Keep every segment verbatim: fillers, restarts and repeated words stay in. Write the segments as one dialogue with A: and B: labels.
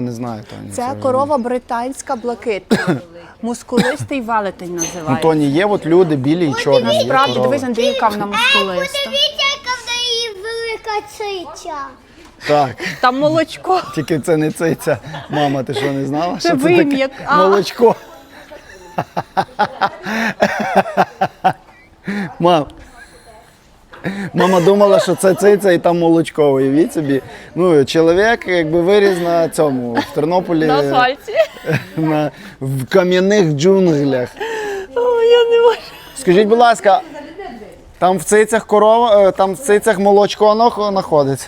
A: не знаю, Тоні.
B: Це корова британська блакитна. Мускулистий велетень
A: Ну,
B: називається.
A: Тоні, є от люди білі і чорні. є
B: Насправді,
A: корови.
B: дивись, Андрій, яка вона мускулиста.
C: Подивіться, яка в неї велика циця.
A: Так,
B: Там молочко.
A: тільки це не циця. Мама, ти що, не знала, що це
B: вим'як.
A: таке?
B: А.
A: Молочко. Мам. Мама думала, що це циця і там молочко, уявіть собі. Ну, чоловік якби виріс на цьому, в Тернополі,
B: На асфальті.
A: на, в кам'яних джунглях.
B: О, я не можу.
A: Скажіть, будь ласка, там в цицях корова, е, там в цицях молочко нах- знаходиться?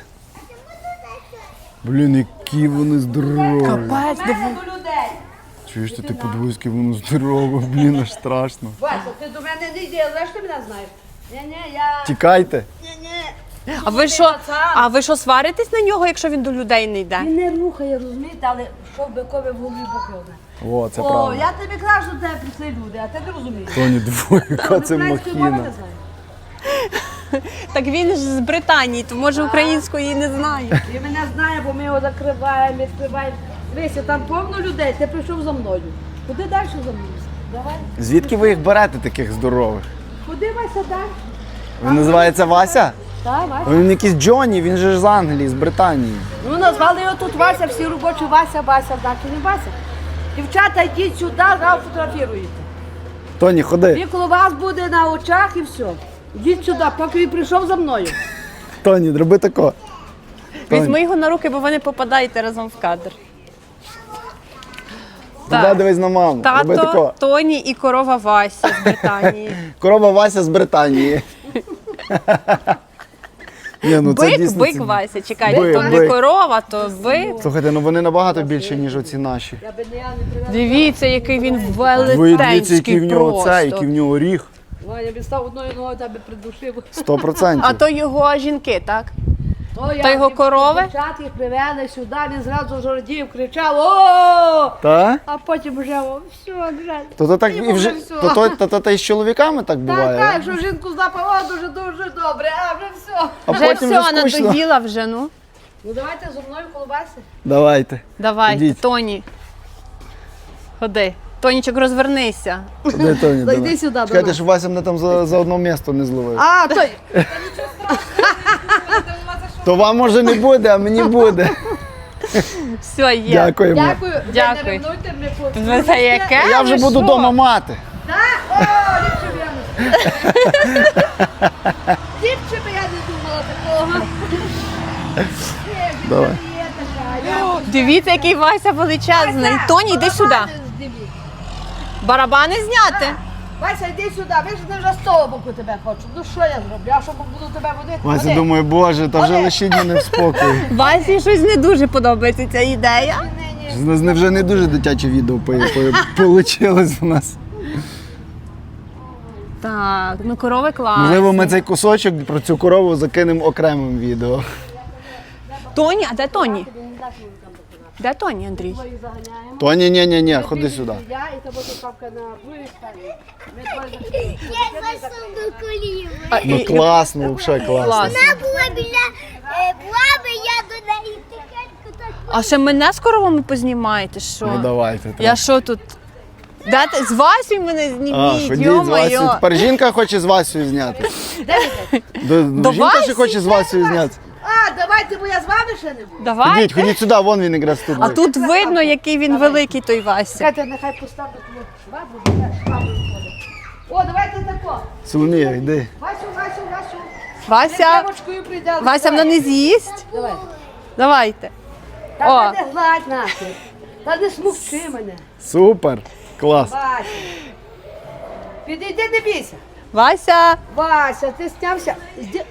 A: Блін, які вони здорові.
B: Капець, диви.
A: Чуєш, ти подивись, яке воно здорове, блін, аж страшно.
D: Вася, ти до мене не йди, але ж ти мене знаєш. Ні-ні, я...
A: Тікайте.
D: Ні-ні.
B: А ви що, а ви що, сваритесь на нього, якщо він до людей не йде?
D: Він не рухає, розумієте, але що бикові в голові бухилне.
A: О, це
D: О,
A: правда.
D: я тобі кажу, що тебе прийшли люди, а ти не розумієш.
A: Тоні, двоє, яка це
D: Української мови
A: махіна.
D: не знаєш.
B: Так він ж з Британії, то може української не знає.
D: Він мене знає, бо ми його закриваємо, відкриваємо. Дивися, там повно людей, ти прийшов за мною. Куди далі за мною? Давай.
A: Звідки ви їх берете, таких здорових?
D: Куди Вася так?
A: Він називається Вася?
D: Так, Вася.
A: Він якийсь Джонні, він же ж з Англії, з Британії.
D: Ну, назвали його тут Вася, всі робочі Вася, Вася, так і не Вася. Дівчата, йдіть сюди, зараз фотографіруєте.
A: Тоні, ходи.
D: Він коло вас буде на очах і все. Йдіть сюди, поки він прийшов за мною.
A: Тоні, роби тако.
B: Візьми його на руки, бо ви не попадаєте разом в кадр.
A: Туди дивись на маму. Роби
B: Тато,
A: тако.
B: Тоні і корова Вася з Британії.
A: Корова Вася з Британії. Ні, ну це
B: Бик,
A: дійсно
B: бик
A: ці-
B: Вася, чекайте,
A: Бик,
B: то не
A: бик.
B: корова, то бик.
A: Слухайте, ну вони набагато більші, ніж оці наші.
D: Я би не я не привезла.
B: Дивіться, який він
A: Ви дивіться, який
B: велетенський
A: в нього це, який в
B: просто.
A: нього ріг.
D: Ну, я б став одною ногою тебе придушив.
A: Сто процентів.
B: А то його жінки, так?
D: То
B: Та його
D: дів-
B: корови?
D: Дівчат їх привели сюди, він зразу жордів, кричав «О!»
A: Та?
D: А потім вже «О, все, вже.
A: То то так і
D: Йому
A: вже
D: вже все.
A: то, то, то, то, то і з чоловіками так буває.
D: Так,
A: а?
D: так, що жінку запав, о, дуже-дуже добре, а вже все.
A: А
B: Вже
A: потім
B: все,
A: вже скучно.
B: надоїла вже, ну.
D: Ну давайте зі мною колбаси.
A: Давайте.
B: Давайте,
A: Ідіть.
B: Тоні. Ходи. Тонічок, розвернися.
A: Куди, Тоні,
D: Зайди
A: давай.
D: сюди до
A: Чекайте,
D: нас.
A: щоб Вася мене там за, за одно місто не зловив.
D: А, той.
A: То вам може не буде, а мені буде.
B: Все, є.
A: Дякуємо.
D: Дякую. Ви
B: Дякую.
D: не ревнуйте, ми по-
B: Ви це яке?
A: Я вже
B: Ви
A: буду
B: що?
A: вдома мати.
D: Так? О, ліпше б я не Ліпше б я не думала такого. Є,
A: Давай.
D: є така. Я
B: Дивіться, який Вася величезний. Тоні, йди сюди.
D: барабани здивіть.
B: Барабани зняти.
D: Вася, йди сюди, ви ж не вже з того боку тебе хочу. Ну що я зроблю? Я що буду тебе водити?
A: Вася
D: Ходи.
A: думає, боже, та вже
D: Ходи.
A: лишіть мене в спокої.
B: Васі щось не дуже подобається ця ідея.
D: Ні, ні.
A: З нас не- вже не дуже дитяче відео вийшло у нас.
B: Так, ну корови класні.
A: Можливо, ми цей кусочок про цю корову закинемо окремим відео.
B: Тоні, а де Тоні? Де Тоні, Андрій?
D: Ми їх заганяємо.
A: То ні, ні, ні, ні, ходи сюди.
D: Я і тебе тут папка на другій стороні. Ми двоє закриємо.
C: Я засуну до коліви.
B: А,
A: Ну
B: і-
A: класно, взагалі класно.
B: Класно.
C: Вона була біля е, баби, я до неї тихенько так.
B: А ще мене з коровами познімаєте, що?
A: Ну давайте.
B: Я що тут? Дайте з Васю мене
A: А,
B: зніміть,
A: ходіть з Васею.
B: йо-моє.
A: Тепер жінка хоче з Васею зняти. До,
B: До
A: жінка ще
B: Васі?
A: хоче з Васею зняти.
D: А, давайте, бо я з вами ще не буду.
B: Давай.
A: Ходіть, ходіть сюди, вон він якраз тут.
B: А тут видно, який він великий, той Вася.
D: Чекайте, нехай поставлю тому швабру, нехай швабру виходить. О, давайте тако.
A: Соломія, йди.
D: Васю, Васю, Васю.
B: Вася,
D: Девочкою прийде.
B: Вася вона не з'їсть.
D: Давай.
B: Давайте.
D: Та
B: О.
D: не гладь нахер. Та не смукчи мене.
A: Супер. Клас.
D: Вася. Підійди, не бійся.
B: Вася.
D: Вася, ти снявся. Зді-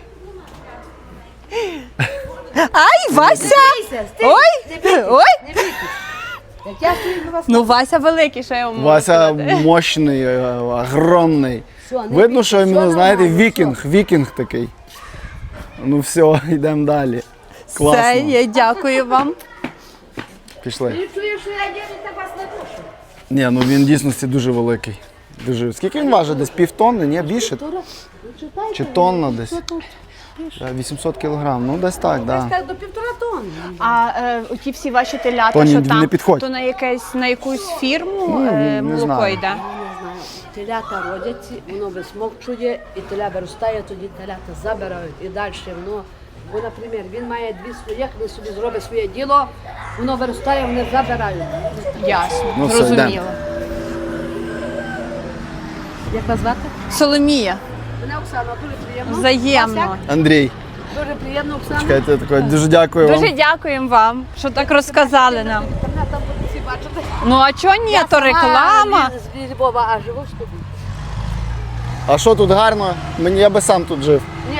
B: Ай, Вася!
D: Бійся, стій.
B: Ой!
D: Не бійтесь,
B: Ой!
D: не бійтесь. Як я стою на вас.
B: Ну, Вася великий, що я вам можу
A: Вася
B: сказати.
A: мощний, е, огромний.
D: Все, не
A: Видно,
D: бійтесь,
A: що
D: все
A: іменно, знаєте,
D: нормально,
A: вікінг, вікінг такий. Ну все, йдемо далі.
B: Все,
A: Класно.
B: я дякую вам.
A: Пішли.
D: Ти чуєш, що я дівчинка вас не душу?
A: Ні, ну він в дійсності дуже великий. Дуже. Скільки він важить? Десь півтонни? Ні, більше? Чи тонна десь? Е, вісімсот кілограм, ну десь так,
D: Десь
A: да.
D: так до півтора тонни.
B: А е, ті всі ваші телята,
A: Тоні,
B: що
A: не
B: там,
A: підходь.
B: то на якесь на якусь фірму
A: Ні,
B: е,
A: не
B: молоко
A: знаю.
B: йде?
D: Я не знаю. Телята родяться, воно висмокчує, і теля виростає, тоді телята забирають і далі воно. Бо, наприклад, він має дві своїх, він собі зробить своє діло, воно виростає, вони забирають.
B: Ясно,
A: Ну, все,
B: зрозуміло.
A: йдемо.
D: Як вас звати?
B: Соломія,
D: Мене Оксана, дуже приємно.
B: взаємно.
D: Вас
A: Андрій,
D: як? Дуже приємно, Оксана.
A: чекайте, таке, дуже дякую вам.
B: Дуже дякуємо вам, що так розказали нам.
D: Інтернет там будуть всі бачити.
B: Ну а чого ні,
D: Я
B: то
D: сама
B: реклама.
D: З з Львова, а живу в Стубі.
A: А що тут гарно? Мені я би сам тут жив.
D: Ні,